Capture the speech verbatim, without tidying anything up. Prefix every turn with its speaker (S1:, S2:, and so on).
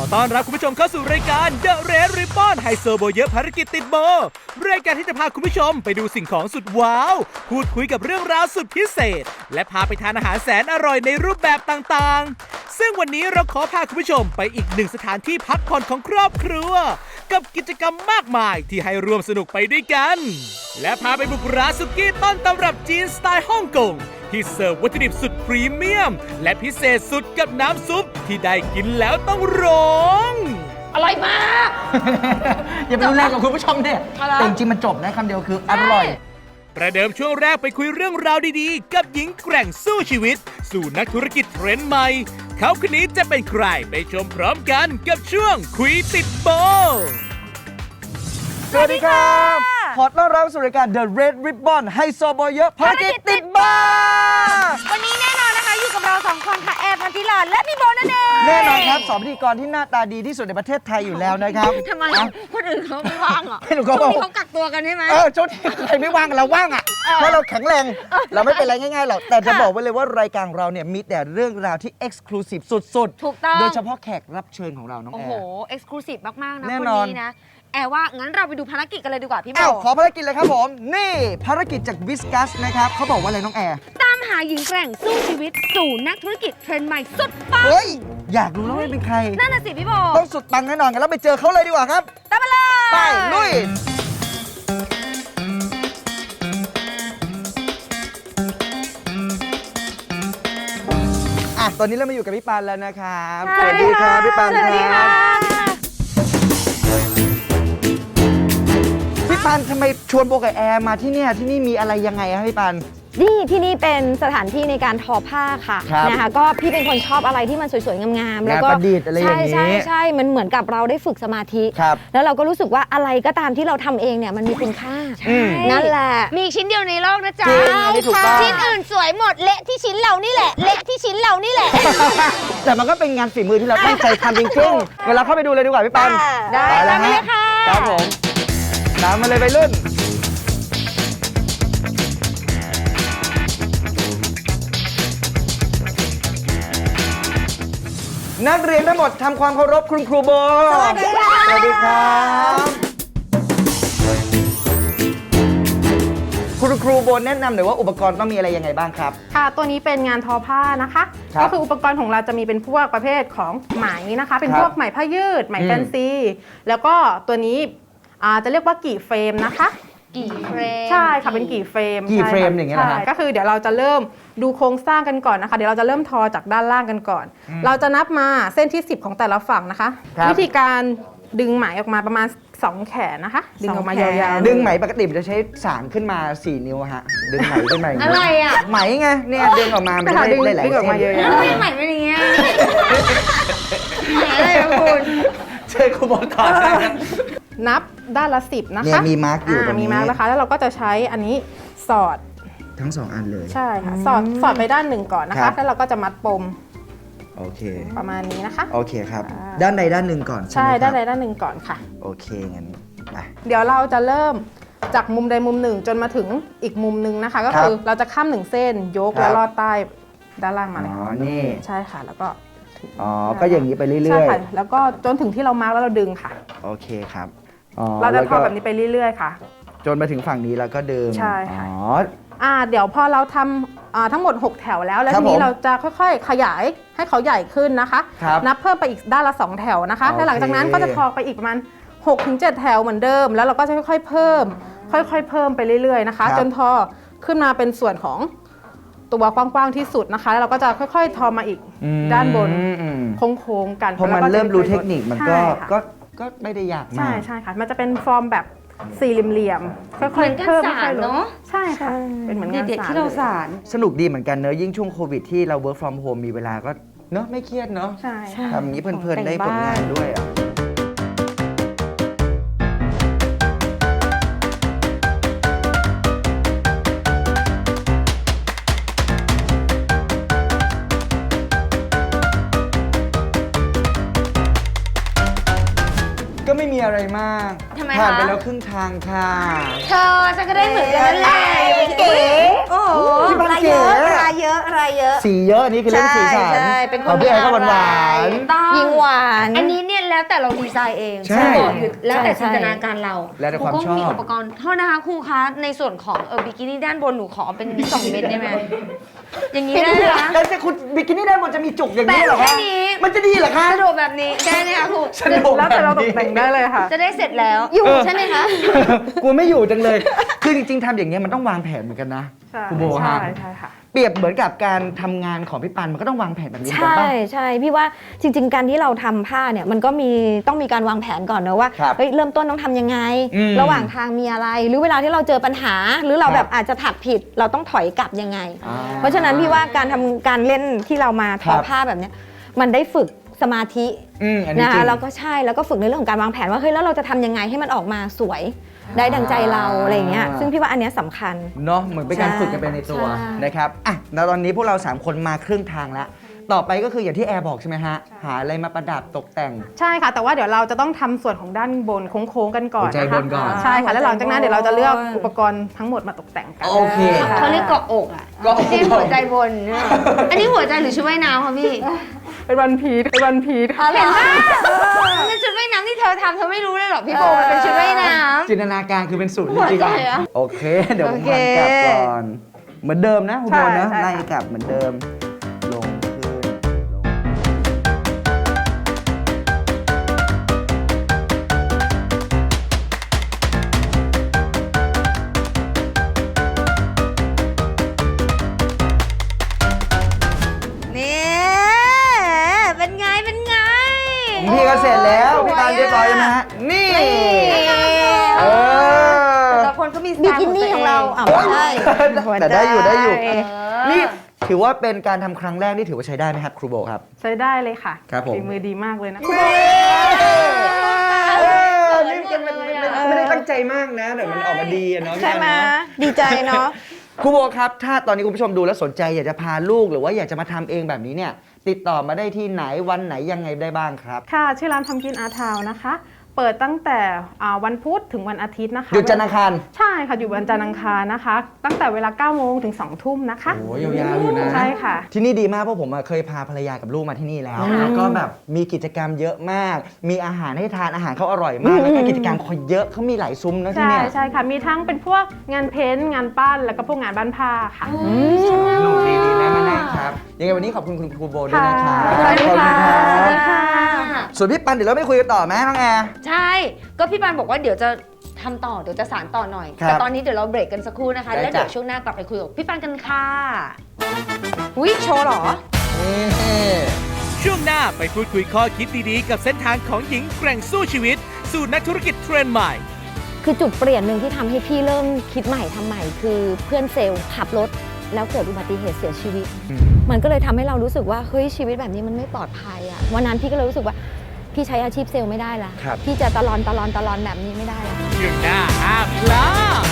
S1: ต้อนรับคุณผู้ชมเข้าสู่รายการ The Red Ribbon ไฮโซโบเยอะภารกิจติดโบรายการที่จะพาคุณผู้ชมไปดูสิ่งของสุดว้าวพูดคุยกับเรื่องราวสุดพิเศษและพาไปทานอาหารแสนอร่อยในรูปแบบต่างๆซึ่งวันนี้เราขอพาคุณผู้ชมไปอีกหนึ่งสถานที่พักผ่อนของครอบครัวกับกิจกรรมมากมายที่ให้ร่วมสนุกไปด้วยกันและพาไปบุกร้านสุกี้ต้นตำรับจีนสไตล์ฮ่องกงที่เสิร์ฟวัตถุดิบสุดพรีเมียมและพิเศษสุดกับน้ำซุปที่ได้กินแล้วต้องร้อง
S2: อร่อยมาก
S3: อย่าไปรุนแรงกับคุณผู้ชมเนี่ยแต่จริงๆมันจบนะคำเดียวคืออร่อย
S1: ประเดิมช่วงแรกไปคุยเรื่องราวดีๆกับหญิงแกร่งสู้ชีวิตสู่นักธุรกิจเทรนด์ใหม่เขาคนนี้จะเป็นใครไปชมพร้อมกันกับช่วงคุยติดโบ
S3: สวัสดีครับขอต้อนรับสู่รายการ The Red Ribbon ไฮโซโบเยอะภารกิจติดบ้าน
S2: วันนี้แน่นอนนะคะอยู่กับเราสองคนค่ะแอร์พันธิลาและพี่โบนั่นเอง
S3: แน่นอนครับสองพิธีกรที่หน้าตาดีที่สุดในประเทศไทยอยู่แล้วนะครับ
S2: ทำไมคนอื่นเขาไม่ว่างเหรอ
S3: ช่วง
S2: นี้เขากักตัวกันใช่ไหม
S3: เออช่วงนี้ใครไม่ว่างเราว่างอ่ะเพราะเราแข็งแรงเราไม่เป็นไรง่ายๆหรอกแต่จะบอกไว้เลยว่ารายการเราเนี่ยมีแต่เรื่องราวที่ Exclusive สุดๆ
S2: ถูกต้อง
S3: โดยเฉพาะแขกรับเชิญของเราน้องแอร์
S2: โอ้โห Exclusive มากๆนะ
S3: คน
S2: นี้นะแอร์ว่างั้นเราไปดูภารกิจกันเลยดีกว่าพี่โบ
S3: ขอภารกิจเลยครับผมนี่ภารกิจจากวิสกัสนะครับเขาบอกว่าอะไรน้องแอร์
S2: ตามหาหญิงแกร่งสู้ชีวิตสู่นักธุรกิจเทรนด์ใหม่สุดปัง
S3: เฮ้ยอยากรู้แล้วว่าเป็นใคร
S2: นั่นน่ะสิพี่โบ
S3: ต้องสุดปังแน่นอนกันแล้วไปเจอเขาเลยดีกว่าครับ
S2: ตามมาเลย
S3: ไปลุยอ่ะตอนนี้เรามาอยู่กับพี่ปานแล้วนะครับ
S2: สวัสดีครับ
S3: พี่ปานครับพี่ปานทำไมชวนโบกับแอร์มาที่นี่ที่นี่มีอะไรยังไงครับพี่ปาน
S4: นี่ที่นี่เป็นสถานที่ในการทอผ้าค่ะนะคะก็พี่เป็นคนชอบอะไรที่มันสวยๆงามๆแล้วก็
S3: ประดิษฐ์อะไรอย่างนี้
S4: ใช่ใช่ใช่มันเหมือนกับเราได้ฝึกสมาธิแล้วเราก็รู้สึกว่าอะไรก็ตามที่เราทำเองเนี่ยมันมีคุณค่านั่นแหละ
S2: มีชิ้นเดียวในโลกนะจ๊ะชิ้นอื่นสวยหมดเละที่ชิ้นเรานี่แหละเละที่ชิ้นเรานี่แหละ
S3: แต่มันก็เป็นงานฝีมือที่เราตั้งใจทำจริงๆเวลาเข้าไปดูเลยดีกว่าพี่ปาน
S2: ได้ตามมาเลยค่ะ
S3: ครับผมตามมาเลยไปรุ่นนักเรียนทั้งหมดทำความเคารพคุณครูโบ
S2: สวัสดีค่ะ
S3: สวัสดีครับคุณครูโบแนะนำหน่อยว่าอุปกรณ์ต้องมีอะไรยังไงบ้างครับ
S5: ค่ะตัวนี้เป็นงานทอผ้านะคะก็คืออุปกรณ์ของเราจะมีเป็นพวกประเภทของไหมนะคะเป็นพวกไหมผ้ายืดไหมแฟนซีแล้วก็ตัวนี้จะเรียกว่ากี่เฟรมนะคะ
S2: กี่เฟรม
S5: ใช่ค่ะเป็นกี่เฟรม
S3: กี่เฟรมอย่างเงี้ยนะ
S5: ก็คือเดี๋ยวเราจะเริ่มดูโครงสร้างกันก่อนนะคะเดี๋ยวเราจะเริ่มทอจากด้านล่างกันก่อนเราจะนับมาเส้นที่สิบของแต่ละฝั่งนะคะวิธีการดึงไหมออกมาประมาณสองแขนนะคะดึงออกมายาว
S3: ๆดึงไหมปกติมันจะใช้สางขึ้นมาสี่นิ้วฮะดึงไหมขึ้นมา
S2: อะไรอ่ะ
S3: ไหมไงเนี่ยดึงออกมาไม่ได้หลาย
S5: ดึงออกมาเยอะ
S2: ๆไม่ไหมเป็นอย่างเงี้ยอะไรนะคุณ
S3: เชิญครูโบต่อได้
S5: นับด้านละสิบนะคะ
S3: มีมาร์กอยู่ตรงนี้
S5: มีมาร์กนะคะแล้วเราก็จะใช้อันนี้สอด
S3: ทั้งสองอันเลย
S5: ใช่ค่ะสอดสอดไปด้านหนึ่งก่อนนะคะแล้วเราก็จะมัดปม
S3: โอเค
S5: ประมาณนี้นะคะ
S3: โอเคครับด้านใดด้านหนึ่งก่อน
S5: ใช่ด้านใดด้านหนึ่งก่อนค่ะ
S3: โอเคงั้น
S5: เดี๋ยวเราจะเริ่มจากมุมใดมุมหนึ่งจนมาถึงอีกมุมหนึ่งนะคะก็คือเราจะข้ามหนึ่งเส้นยกแล้วลอดใต้ด้านล่างมาเลย
S3: อ๋อนี่
S5: ใช่ค่ะแล้วก็
S3: อ๋อก็อย่างนี้ไปเรื่อยๆใช่
S5: ค่ะแล้วก็จนถึงที่เรามาร์กแล้วเราดึงค่ะ
S3: โอเคครับ
S5: เราจะทอแบบนี้ไปเรื่อยๆค่ะ
S3: จนมาถึงฝั่งนี้แล้วก็ดึง
S5: ใช่ค่ะอ๋ออ่าเดี๋ยวพอเราทำทั้งหมดหกแถวแล้วแล้วทีนี้เราจะค่อยๆขยายให้เขาใหญ่ขึ้นนะคะนับเพิ่มไปอีกด้านละสองแถวนะคะแล้วหลังจากนั้นก็จะทอไปอีกประมาณหกถึงเจ็ดแถวเหมือนเดิมแล้วเราก็จะค่อยๆเพิ่มค่อยๆเพิ่มไปเรื่อยๆนะคะจนทอขึ้นมาเป็นส่วนของตัวกว้างๆที่สุดนะคะแล้วเราก็จะค่อยๆทอมาอีกด้านบนโค้งๆกัน
S3: พอมันเริ่มรู้เทคนิคมันก็ก็ก็ไม่ได้ยากมาก
S5: ใช่ใช่ค่ะมันจะเป็นฟอร์มแบบสี่เหลี่ยมๆค่อยๆเพิ่มค่อยๆลดใช่ค่ะเป็นเหมือนงาน
S2: เด็กที่เราสาร
S3: สนุกดีเหมือนกันเนอะยิ่งช่วงโควิดที่เรา work from home มีเวลาก็เนอะไม่เครียดเนอะ
S5: ใช่
S3: ทำอย่างนี้เพลินๆได้ผลงานด้วยอ่ะก็ไม่มีอะไรมาก
S2: ทำไม
S3: ผ่าน
S4: คะ
S3: ไปแล้วครึ่งทางค่ะ
S2: เธอฉันก็ได้เหมือนกันนั่นแหละ
S4: เก๋โอ้โห
S3: พี่พัน
S4: ราย
S3: เก๋
S4: เยอะรายเยอะรายเยอะ
S3: สีเยอะอันนี่คือเรื่องสีสัน
S4: ใช่เป็นคน
S3: ของพี่แอนก็หวานหวาน
S2: ต้อง
S4: ยิงหวาน
S2: อันนี้เนี่ยแล้วแต่เราดีไซน์เอง
S3: ใช่
S2: บอกอยู่แล้วแต่
S4: ใช่
S2: จินตนาการเรา
S3: แล้วแต่ความ
S2: รูก็
S3: ชอบ
S2: มีอุปกรณ์โทษนะคะครูคะในส่วนของเออบิกินี่ด้านบนหนูขอเป็นสองเม็ดได้ไหมอย่างนี้ได้ไหมคะ
S3: แล้วแต่คุณบิกินี่ด้านบนจะมีจุกอย่างนี้เหรอ
S2: แปะแค่
S3: คะ
S2: นี้
S3: มันจะดีเหรอคะ
S2: สะดวกแบบนี้ได้ไหมคะครู
S3: สะดวก
S5: แล้วแต่เราตกแต่งได้เลยค่ะ
S2: จะได้เสร็จแล้ว
S4: อยู่ใช่ไหมคะ
S3: กูไม่อยู่จังเลย คือจริงๆทำอย่างเงี้ยมันต้องวางแผนเหมือนกันนะ
S5: ใช่
S3: คุณโบฮะ
S5: ใช่ใช่ค่ะ
S3: เปรียบเหมือนกับการทำงานของพี่ปันมันก็ต้องวางแผนแบบนี้เหมือน
S4: ใช่
S3: กันป่ะ
S4: ใช่พี่ว่าจริง ๆ การที่เราทำผ้าเนี่ยมันก็มีต้องมีการวางแผนก่อนนะว่า
S3: ครับ
S4: เฮ้ยเริ่มต้นต้องทำยังไง
S3: อืม
S4: ระหว่างทางมีอะไร หรือเวลาที่เราเจอปัญหา หรือเรา
S3: ครับ
S4: แบบอาจจะถักผิด เราต้องถอยกลับยังไง
S3: อ่า
S4: เพราะฉะนั้นพี่ว่าการทำการเล่นที่เรามาท
S3: ครั
S4: อบ ผ้าแบบเนี้ยมันได้ฝึกสมาธิ
S3: อืมอันนี้
S4: นะ
S3: จริ
S4: คะ
S3: ง
S4: แล้วก็ใช่แล้วก็ฝึกในเรื่องของการวางแผนว่าเฮ้ยแล้วเราจะทำยังไงให้มันออกมาสวยได้ดังใจเราอะไรอย่างเงี้ยซึ่งพี่ว่าอันเนี้ยสำคัญ
S3: เนาะเหมือนเป็นการ
S4: ใช่
S3: ฝึกกันไปในตัว
S4: ใช่
S3: นะครับอ่ะแล้วตอนนี้พวกเราสามคนมาครึ่งทางแล้ว ต่อไปก็คืออย่างที่แอร์บอกใช่ไหมฮะ หาอะไรมาประดับตกแต่ง
S5: ใช่ค่ะ แต่ว่าเดี๋ยวเราจะต้องทำส่วนของด้านบนโค้งๆกันก่อน
S3: หัวใจ
S5: นะคะ
S3: บนก่อน
S5: ใช่ค่ะแล้วหลังจากนั้นเดี๋ยวเราจะเลือกอุปกรณ์ทั้งหมดมาตกแต่งกัน
S3: โอเค
S2: เขาเรียกเกาะอกอ่ะ
S3: เกาะอก
S2: เรียกหัวใจบนเนี่ยอันนี้หัวใจหรือชุดว่ายน้ำคะพี่
S5: เป็นวันพีชเป็นวันพีช
S2: เห็นปะมันเป็นชุดว่ายน้ำที่เธอทำเธอไม่รู้เลยหรอพี่โบมันเป็นชุดว่ายน้ำ
S3: จินตนาการคือเป็นศูนย์จ
S2: หัว
S3: ริง
S2: ใจ
S3: ๆ
S2: เหรอ
S3: โอเค เดี๋ยวผม
S4: โอเค
S3: หันกลับก่อน เหมือนเดิมนะคุณโบนะ
S5: ใช่ใช่
S3: ไล่กลับเหมือนเดิม ลงขึ้นลง
S2: นี่เป็นไงเป็นไง
S3: ของพี่ก็เสร็จแล้วพี่ปานเรียบร้อยไหมฮะนี่ เออ
S2: แต่ละคนก็มีสไต
S4: บิ
S2: ล์
S4: กินี่ของเราอ่ะไม่ใช่
S3: แต่ได้อยู่ได้อยู่
S2: เออ
S3: นี่ถือว่าเป็นการทำครั้งแรกที่ถือว่าใช้ได้ไหมครับครูโบครับ
S5: ใช้ได้เลยค่ะ
S3: ครับผม
S5: ฝีมือดีมากเลยนะ
S3: เออนี่มันมันมันไม่ได้ตั้งใจมากนะแต่มันออกมาดีอะเนาะ
S4: ใช่ไหม
S3: พี่ปานเนาะ
S4: ดีใจเนาะ
S3: ครูโบครับถ้าตอนนี้คุณผู้ชมดูแล้วสนใจอยากจะพาลูกหรือว่าอยากจะมาทำเองแบบนี้เนี่ยติดต่อมาได้ที่ไหนวันไหนยังไงได้บ้างครับ
S5: ค่ะ ชื่อร้านทำกินอาทาวนะคะ เปิดตั้งแต่อ่าวันพุธถึงวันอาทิตย์นะคะ
S3: หยุดจันทร์อังคาร
S5: ใช่ค่ะ อยู่วันจันทร์อังคารนะคะ ตั้งแต่เวลาเก้าโมงถึงสองทุ่มนะคะ
S3: โอ้ยยาวๆอยู่นะ
S5: ใช่ค่ะ
S3: ที่นี่ดีมากเพราะผมอะเคยพาภรรยากับลูกมาที่นี่แล้ว แล้วก็แบบมีกิจกรรมเยอะมาก มีอาหารให้ทานอาหารเขาอร่อยมาก แล้วก็กิจกรรมเขาเยอะเขามีหลายซุ้มนะที่
S5: ใช่
S3: เนี่ย
S5: ใช่ค่ะ มีทั้งเป็นพวกงานเพ้นท์งานปั้น แล้วก็พวกงานบ้านผ้าค่ะ
S3: หนุกดีดีนะมาแน่ครับยังไงวันนี้ขอบคุณคุณครูโบด้วยนะครับ
S5: ค่ะ
S3: ขอบณ
S5: สวัสดี
S3: รับ
S5: ค่ะ
S3: ส่วนพี่ปันเดี๋ยวเราไม่คุยกันต่อไหมน้องแอร์
S2: ใช่ ก็พี่ปานบอกว่าเดี๋ยวจะทำต่อ เดี๋ยวจะสารต่อหน่อย
S3: ครับ
S2: แต่ตอนนี้เดี๋ยวเราเบรกกันสักครู่นะคะ
S3: ได้
S2: แล้วเดี๋ยว
S3: จ้ะ
S2: ช่วงหน้ากลับไปคุยกับพี่ปานกันค่ะอุ้ยโชว์เหรอ
S3: นี่
S1: ช่วงหน้าไปพูดคุยข้อคิดดีๆ กับเส้นทางของหญิงแกร่งสู้ชีวิต สู่นักธุรกิจเทรนด์ใหม่
S4: คือจุดเปลี่ยนหนึ่งที่ทำให้พี่เริ่มคิดใหม่ทำใหม่ คือเพื่อนเซลล์ขับรถแล้วเกิดอุบัติเหตุเสียชีวิต มันก็เลยทำให้เรารู้สึกว่าเฮ้ยชีวิตแบบนี้มันไม่ปลอดภัยอะวันนั้นพี่ก็เลยรู้สึกว่าพี่ใช้อาชีพเซลล์ไม่ได้ละ
S3: ครับ
S4: พี่จะตะลอนตะลอนตะลอนแบบนี้ไม่ได้ละ
S1: ช่วงหน้าห้ามพลาด